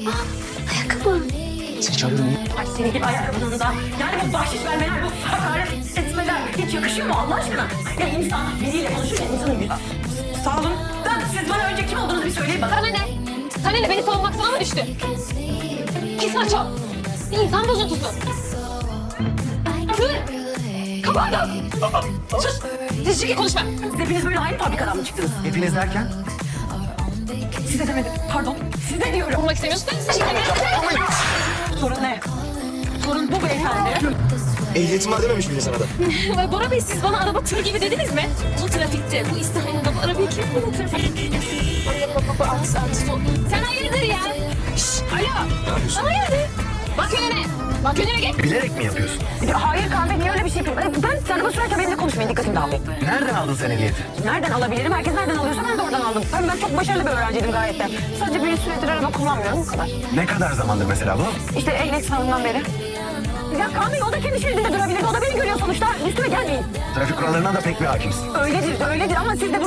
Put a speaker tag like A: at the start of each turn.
A: Ayakkabı.
B: Seni çağırıyorum.
C: Ay senin gibi ayakkabının da yani bu bahşiş vermeler, bu hakaret etmeler hiç yakışıyor mu Allah aşkına? Ya insan biriyle konuşurken insanın yüzü... Sağ olun. Siz bana önce kim olduğunuzu bir söyleyin bakalım.
A: Sana ne? Sana ne? Beni savunmak sana mı düştü? Pis maço. Bir insan bozuntusu. Kır. Kapandım. Sus. Siz çünkü konuşma.
C: Siz hepiniz böyle aynı fabrikadan mı çıktınız?
B: Hepiniz derken?
C: Size demedim. Pardon. Size diyorum.
A: Vurmak istemiyorsun.
C: Sorun ne? Sorun bu beyefendi.
B: Ehliyetim var dememiş miydin sana da?
A: Bora Bey siz bana araba tır gibi dediniz mi? Bu trafikte, bu İstanbul'da bu arabayı kim kullanır? Sen hayırdır ya? Şşş, alo. Sen hayırdır? Bak önüne. Bak önüne gel.
B: Bilerek mi yapıyorsun?
C: Hayır kahve niye öyle bir şey yapayım? Ben araba sürerken benimle konuşmayın. Dikkatim dağılıyor.
B: Nereden aldın sen ehliyeti?
C: Nereden alabilirim? Herkes nereden alıyorsa ben de oradan aldım. Ben çok başarılı bir öğrenciydim gayet de. Sadece bir süredir araba kullanmıyorum bu kadar.
B: Ne kadar zamandır mesela bu?
C: İşte ehliyet sınavından beri. Ya Kamil o da kendi şeridinde durabilirdi. O da beni görüyor sonuçta. Üstüme gelmeyin.
B: Trafik kurallarına da pek bir hakimsin.
C: Öyledir ama siz de